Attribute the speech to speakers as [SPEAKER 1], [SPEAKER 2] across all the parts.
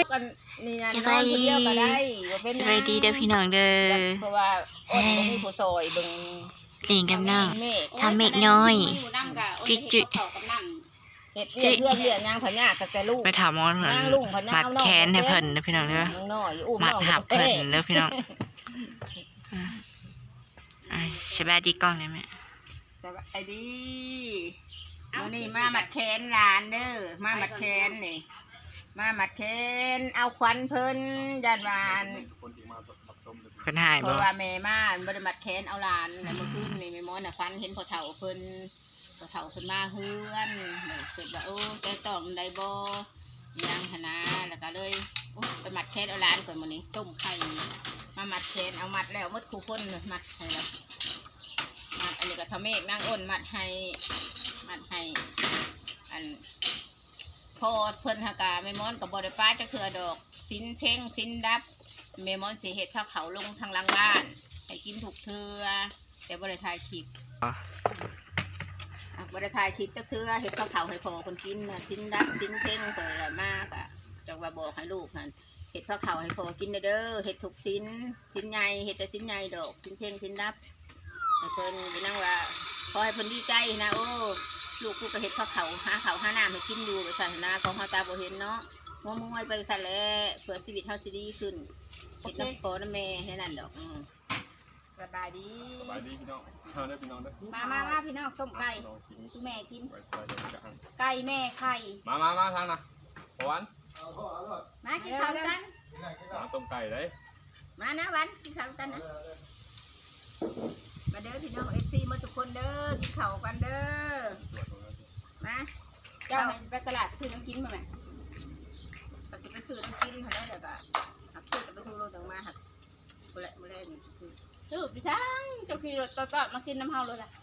[SPEAKER 1] กันนี่นะนอนคนเดียวก็ได้บ่เป็น
[SPEAKER 2] สบายดีเด้อพี่น้องเด้อ
[SPEAKER 1] เพราะว่าอ้นบ่มีผู้ซอยเบิ่ง
[SPEAKER 2] หลิงกับน้องทำเมฆน้อยจิจิ
[SPEAKER 1] เฮ็ดเรื่องนางพญาตั้งแต่ลูก
[SPEAKER 2] ไปถามหมอเพิ่น
[SPEAKER 1] นางลุงพญา
[SPEAKER 2] มัด
[SPEAKER 1] เอาน้อง
[SPEAKER 2] แขนให้เพิ่นเด้อพี่น้องเด้อ
[SPEAKER 1] น้อยอุ้ม
[SPEAKER 2] มัด
[SPEAKER 1] น้อง
[SPEAKER 2] หับเพิ่นเด้อพี่น้องสบายดีกล้องได้ไหม
[SPEAKER 1] สบายดีมื้อนี้มามัดแขนหลานเด้อมามัดแขนนี่มามัดแขนเอาขวัญเพิ่นญาติบ้าน
[SPEAKER 2] เพิ่นหาย
[SPEAKER 1] เพ
[SPEAKER 2] บ่
[SPEAKER 1] ราะว่าแม่มาบ่ได้มัดแขนเอาหลานในเมื่อคืนนี่แม่หมอน่ะฟันเห็นพ่อเฒ่าเพิ่นมาเฮือนเกิดว่าโอ้ใจต้องได้บ่ยังหนนะแล้วก็เลยไปมัดแขนเอาหลานก่อนมื้อนี้ต้มไข่มามัดแขนเอามัดแล้วหมดคู่คนมัดให้แล้วมัดอันนี้ก็ทำเมฆนางอ้นมัดให้อันพอเพิ่นหากาแม่หมอนก็บ่ได้ป้าจักเทื่อดอกสินเพ่งสินดับแม่หมอนสิเฮ็ดข้าวเขาลงทางหลังบ้านให้กินทุกเทื่อแต่บ่ได้ถ่ายคลิปบ่ได้ถ่ายคลิปจักเทื่อเฮ็ดข้าวเขาให้พ่อคนกินน่ะสินดับสินเพ่งเพิ่นละมากอ่ะจังว่าบอกให้ลูกนั่นเฮ็ดข้าวเขาให้พ่อกินเด้อเฮ็ดทุกสินใหญ่เฮ็ดแต่สินใหญ่ดอกสินเพ่งสินดับให้เพิ่นไปนั่งว่าขอให้เพิ่นดีใจนะโอ้ลูกกูก็เฮ็ดข้าวเขาหาข้าวหาน้ำให้กินอยู่ไปสั่นนะของเฮาตาบ่เห็นเนาะมัวมวยไปสั่นแหละเพื่อชีวิตเฮาสิดีขึ้นเฮ็ดน้ำพ่อน้ำแม่แค่นั้นดอกสบายดี
[SPEAKER 3] พี่น้องทานได้พี่น้องได้
[SPEAKER 1] มาพี่น้องต้มไก่คุณแม่กินไก่แม่ไข่
[SPEAKER 3] มาทางนะหวาน
[SPEAKER 1] มากินข้าวกัน
[SPEAKER 3] ต้มไก่ได้
[SPEAKER 1] มานะวันกินข้าวกันนะมาเด้อพี่น้อง FC มาทุกคนเด้อกินข้าวกันเด้อมาเจ้าไปตลาดซื้อน้ำกินมาไหมก็จะไปซื้อน้ำกินเขาได้เดี๋ยวก็หักซื้อจะไปซื้อโลต่างมาหักบุเล่นี่ซื้อพี่ช้างเจ้าขี่รถต่อมากินน้ำเฮาเลยล่ะ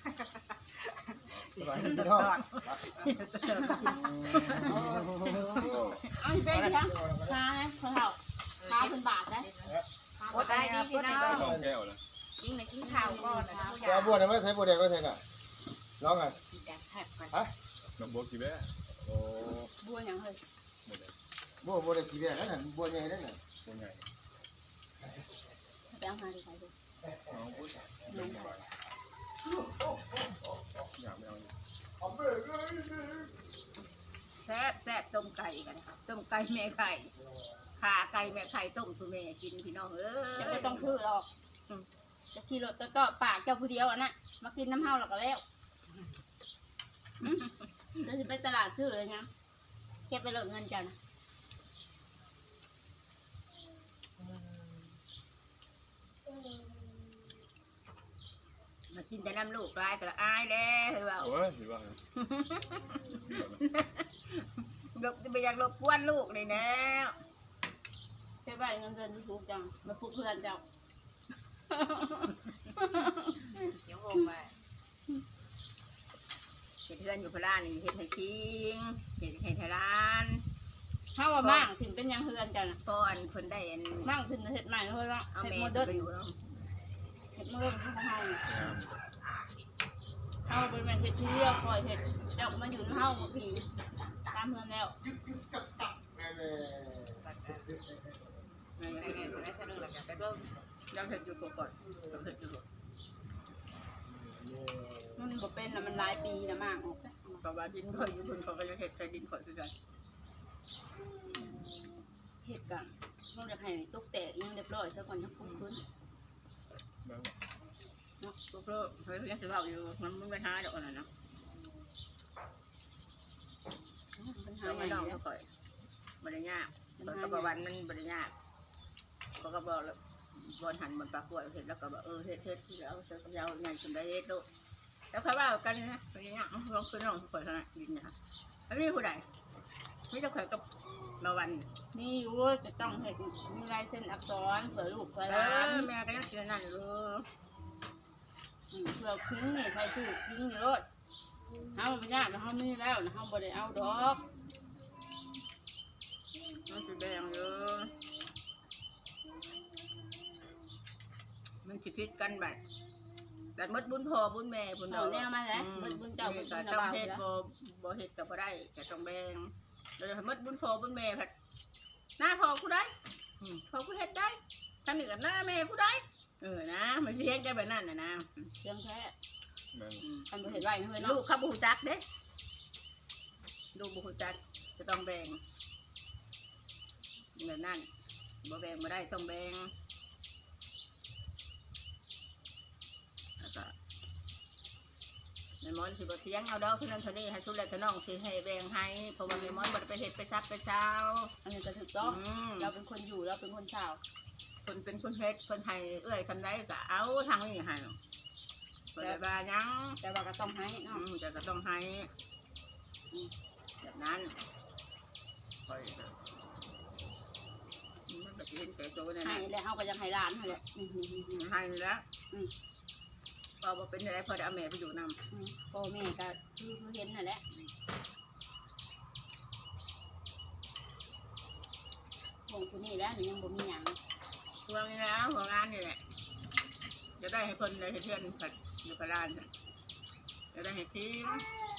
[SPEAKER 1] เอาไปพี่ช้างช้านะเขาเท่าช้าเป็นบาทนะโอ้ได้ดีพี่น้อง
[SPEAKER 3] แก้วเลย
[SPEAKER 1] ยิ่งในกินข้าวก่อนนะ
[SPEAKER 4] จะบัวเนี่ยไม่ใช่บัวแดงไม่ใช่น่ะน้องอ่ะฮะ
[SPEAKER 3] น้ำบัวกี่แบ่โอ้
[SPEAKER 1] บัวอย่างเฮ้ย
[SPEAKER 4] บัวแดงกี่แดงนั่นน่ะบัวใหญ่นั่นน่ะ
[SPEAKER 3] บัวใหญ่
[SPEAKER 1] ไปเอาหาดูใครดู
[SPEAKER 3] น้องบัวน้องใหญ่อยากไม่เอา
[SPEAKER 1] แซ่บต้มไก่กันต้มไก่แม่ไข่ขาไก่แม่ไข่ต้มสุเมกินพี่น้องจะไม่ต้องถือหรอกจะขี่รถก็ปากเจ้าผู้เดียวอ่ะนะมากินน้ำเฮาหรอกแล้วจะไปตลาดซื้อเลยนะเก็บไปหลดเงินเจ้านะมากินแต่น้ำลูกลายแต่ละอายแล้วเฮ้ยว่า
[SPEAKER 3] โอ้ยถือว่า
[SPEAKER 1] ลบไปอยากลบกวนลูกเลยนะใช่ป่ะเงินเดือนถูกจังมาพูดเพื่อนเจ้าเดี๋ยวงงไปเห็ดเพื่อนอยู่พลานี่เห็ดไทยคิงเห็ดไทยร้านถ้าว่ามั่งถึงเป็นยังเพื่อนเจ้านะก่อนคนได้มั่งถึงเห็ดใหม่เลยละเอาเมย์ไปอยู่แล้วเห็ดเมื่อของเฮาเฮาเป็นแม่เห็ดที่เรียกคอยเห็ดเจ้ามาอยู่เฮาหมดผีตามเพื่อนแล้วยังเห็ดอยู่ก่อนยังเห็ดอยู่มันบ่เป็นนะมันหลายปีนะมากออกซะกับว่าดินข่อยอยู่บนเขาก็ยังเห็ดใส่ดินข่อยคือกันเห็ดกันเราจะให้ตุ๊กแตกยังเรียบร้อยซะก่อนยังคุ้มขึ้นเนาะตุ๊กเลิกเฮ้ยยังจะเบาอยู่มันไม่หาดอกอะไรนะมันหาไม่ได้ก่อยบริญญาตะวันมันบริญญาเขาก็บอกแล้วบอลหันมันปลากล้วยเห็ดแล้วก็บอกเห็ดที่แล้วเจอกับยาวงานจนได้เห็ดลูกแล้วเขาว่ากันนะบริญญาลองขึ้นลองข่อยขนาดดินนะอันนี้ผู้ใดไม่ต้องข่อยกับมาวันนี่อยู่จะต้องเห็ดมีลายเส้นอักษรเผื่อลูกเผื่อหลานแม่ก็ยังเจอนั่นเลยเผื่อทิ้งนี่ใส่ซื้อทิ้งเยอะเขาไม่ยากนะเขามีแล้วนะเขาบริเอาดอกมันจะแดงเยอะมันจะพิษกันแบบมดบุญพ่อบุญแม่บุญเราแนวมาแล้วมดบุญเจ้าบุญเจ้าต้องเฮ็ดบ่เฮ็ดกับบ่ได้แต่ต้องแบ่งเราจะมดบุญพ่อบุญแม่ผัดผู้ใดพอผู้เฮ็ดได้ท่านหนึ่งหน้าแม่ผู้ใดนะมันเสียงกันแบบนั้นนะ
[SPEAKER 5] เรื่องแท้
[SPEAKER 3] แม่น
[SPEAKER 5] ทำบ่เห็นไรเฮ้ย
[SPEAKER 1] ลู
[SPEAKER 5] เนาะ
[SPEAKER 1] กเขาบูจักเด้ลูกบูจักจะต้องแบ่งแบบนั้นบ่แบ่งไม่ได้ต้องแบ่งแล้วก็แม่มอนสิบ่เสียงเอาดอกเท่านั้นเท่านี้ให้สุดแล้วเท่าน้องสิให้แบ่งให้เพราะว่าแม่มอนบ่ได้ไปเฮ็ดไปซักไปเช้า
[SPEAKER 5] อันนี้ก็ถูกต้องเราเป็นคนอยู่เราเป็นคนชาว
[SPEAKER 1] คนเป็นคนเฮ็ดคนให้เอื้อยคำใดก็เอาทางนี้ให้บ่ได้ว่าหยัง
[SPEAKER 5] แต่ว่าก็ต้องให้เนาะ
[SPEAKER 1] จะก็ต้องให้แบบนั้นค่อยมันก็สิเห็นแก่ตัวนั่น
[SPEAKER 5] ให้
[SPEAKER 1] น่ะ
[SPEAKER 5] แล้วเฮาก็ยังให้ร้านให้แหละ
[SPEAKER 1] ให้แล้วพอเป็นอะไรพอได้เอาแม่ไปอยู่นำ
[SPEAKER 5] พ่อแม่ก็คือเห็นนั่นแหละของคนนี้แล้วนี่ยังบ่มีหยัง
[SPEAKER 1] ห่วงนี่นะห่วงงานนี่แหละจะได้ให้คนได้ให้เพื่อนผัดอยู่กับร้านจะได้ให้ทิ้ง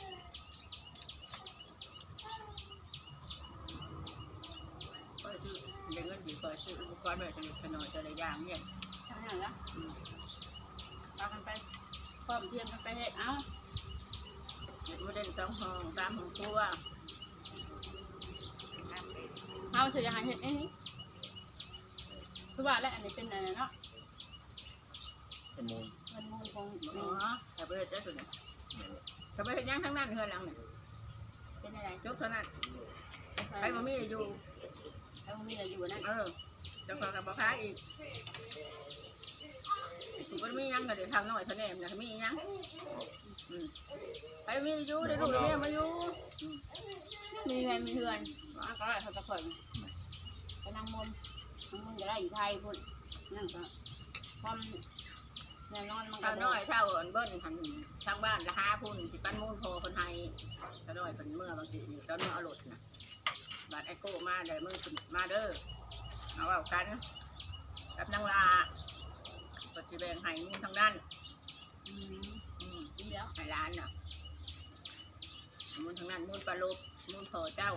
[SPEAKER 1] ก็ซื้อเงินดีกว่าซื้ออุปกรณ์แบบสนิทสนอยจะได้ย่างเนี่ย
[SPEAKER 5] ทำอย่างละพากันไปพร้อมเทียมกันไปเฮ็ดเอา
[SPEAKER 1] ไม่ได้2 ห้อง3 ห้องครัว
[SPEAKER 5] เฮาสิจะให้เฮ็ดอันนี้คือว่าแล้วอันนี้เป็นอะไรเนาะ
[SPEAKER 3] ขโมย
[SPEAKER 5] มันมูลของ
[SPEAKER 1] อ๋อแต่ไปเฮ็ดได้สุดเนี่ยแต่ไปเฮ็ดย่างทั้งนั้นเฮือนหลังเนี่ย
[SPEAKER 5] เป็นอะไร
[SPEAKER 1] จบเท่านั้นไปบ่มีอยู่
[SPEAKER 5] แล้วมีอะไรอยู่นั่น
[SPEAKER 1] จะขอกับบ่ค้าอีกมันมียังก็เดี๋ยวทำหน่อยเท่านี้นะมียังไปมีอยู่ได้ลูกได้เมียมาอยู่
[SPEAKER 5] มีเงินมีเฮือนว่าก็เขาตะข่อยไปนั่งมนจะได้อยู่ไทยพุ่นนั่นก็ความแน่นอนมันก็
[SPEAKER 1] เท่าน้อยเท่าเบิ้ลทางบ้านละ5 พุ่นสิปั้นมูลโพคนไทยเท่าน้อยเป็นเมื่อบางทีอยู่ตอนเมื่อเอารถนะบาดไอโก้มาเดี๋ยวมึงมาเด้อเอาเอากันกับนางลาปฏิบัติให้มูลทางด้าน
[SPEAKER 5] ดีแล้ว
[SPEAKER 1] ให้ร้านน่ะมูลทางนั้นมูลปลาลบมูลพอเจ้า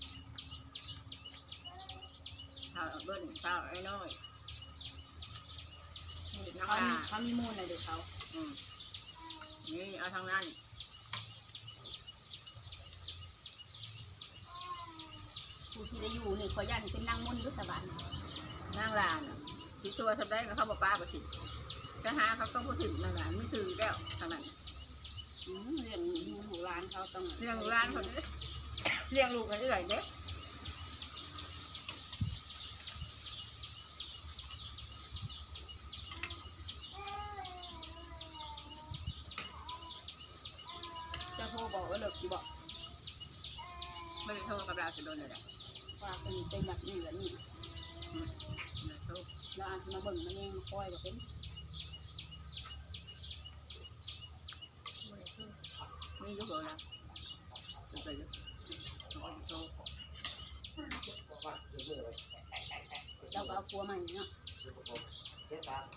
[SPEAKER 1] เท่าเบิ้ลเท่าไอ้น้อยนางลา
[SPEAKER 5] เขามีมูลอะไรเด็กเขา
[SPEAKER 1] นี่เอาทางนั้น
[SPEAKER 5] ผู้ที่ได้อยู่นี่ขอยันเป็นนางมนต์ยุทธบาล
[SPEAKER 1] นางลาน่ะที่ตัวสำได้ก็เข้าป้าประสิทธิ์จะหาเขาต้องพูดถึงนั่นแหละไม่ถือแล้วทางนั้น
[SPEAKER 5] เรื่องหูร้านเขาต้อง
[SPEAKER 1] เลี้ยงร้านคนนี้เลี้ยงลูกอะไรเด็ก
[SPEAKER 5] จะโทรบอกว่าเลิกกี่บอก
[SPEAKER 1] ไม่ได้โทษกับเราจะโดนเลยแหละ
[SPEAKER 5] ว่าเป็นแบบนี้แบบนี้
[SPEAKER 1] ไม่โทษ
[SPEAKER 5] เราอาจจะมาเบิ่งมันเองคอยแบบเป็น
[SPEAKER 1] มียุคเลยนะไปยุคเขาจะโทษ
[SPEAKER 5] เราก็เอาปัวใหม่เนาะ
[SPEAKER 1] ที่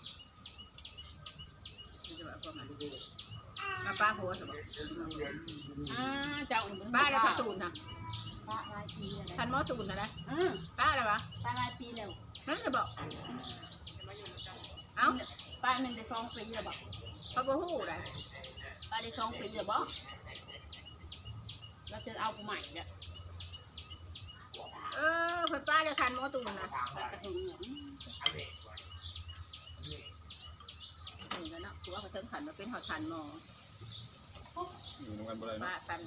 [SPEAKER 1] จะแบบประมาณมาป้าหัวสมบัติ
[SPEAKER 5] เจ้า
[SPEAKER 1] ป้าแล้วก็ตูนนะ
[SPEAKER 5] ป้าลายปีอะไร
[SPEAKER 1] ทันมอตูนนะนะ
[SPEAKER 5] อืม
[SPEAKER 1] ป้าอะไรวะ
[SPEAKER 5] ป้าลายปีแล้ว
[SPEAKER 1] นั่นจะบอกเอ้า
[SPEAKER 5] ป้ามันได้2 ปีแล้วบอก
[SPEAKER 1] เขาบอกหู้เลย
[SPEAKER 5] ป้าได้2 ปีแล้วบอกเราจะเอาผู้ใหม่เนี่ย
[SPEAKER 1] คนป้าจะทันมอตูนนะ
[SPEAKER 5] กระถึงเนี่ย
[SPEAKER 1] นี่กันเนาะคือว่าเขาเติมขันมาเป็นหอทันมอ
[SPEAKER 3] อยู่เหมือนกันบ่ได้
[SPEAKER 1] ป้า
[SPEAKER 3] เนาะ
[SPEAKER 1] กัน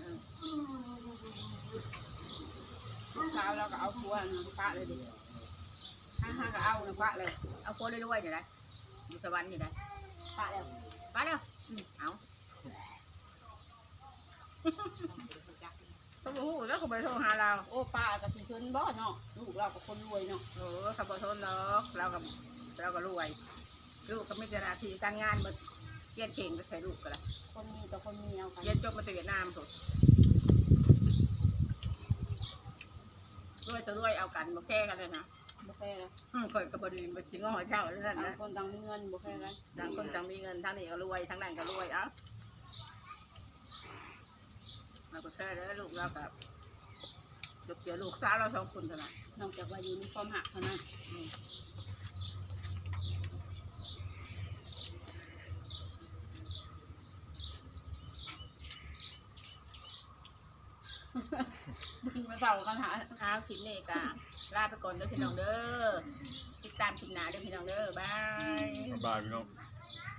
[SPEAKER 5] เช้าเราก็เอาปัวป้าเลยดิห้าก็เอานะป้าเลย
[SPEAKER 1] เอาโค้ดได้ด้วยนี่นะอยู่สวรรค์นี่นะ
[SPEAKER 5] ป้าแล้ว
[SPEAKER 1] ป้าแล้วเอาเขาบอกหู้แล้วเขาไปโทรหาเรา
[SPEAKER 5] โอ้ป้ากับสิชนบ่เนาะลูกเรากับคนรวยเนาะ
[SPEAKER 1] เขาบอกโทรหรอกเราก็รวยลูกก็ไม่เจนาทีการงานมาเรียนเก่งก็ใช้ลูกกันละ
[SPEAKER 5] คนมีกับคนมีเอากัน
[SPEAKER 1] เรียนจบมาจากเวียดนามสุดด้วยเอากันมาแค่กันเลยนะ
[SPEAKER 5] บ่แค่แล้ว
[SPEAKER 1] คอยกับบดีมันจริงว่าเจ้าแล้วนั่น
[SPEAKER 5] ต่าง
[SPEAKER 1] นะ
[SPEAKER 5] คนต่างมีเงินบ่แค่กัน
[SPEAKER 1] ต่างคนต่างมีเงินทั้งนี้ก็รวยทั้งนั้นก็รวยเอ้าเราก็แค่แล้วลูกเรากับเกี่ยวลูกสาวเรา2คนเท่านั้น
[SPEAKER 5] นอกจากว่าอยู่ในความหักเท่านั้นมึงมาเศร้ากันหา
[SPEAKER 1] ข้าวคลิปนี้ก็ลาไปก่อนเด้อพี่น้องเด้อติดตามคลิปหน้าเด้อพี่น้องเด้อบาย
[SPEAKER 3] บายพี่น้อง
[SPEAKER 1] บ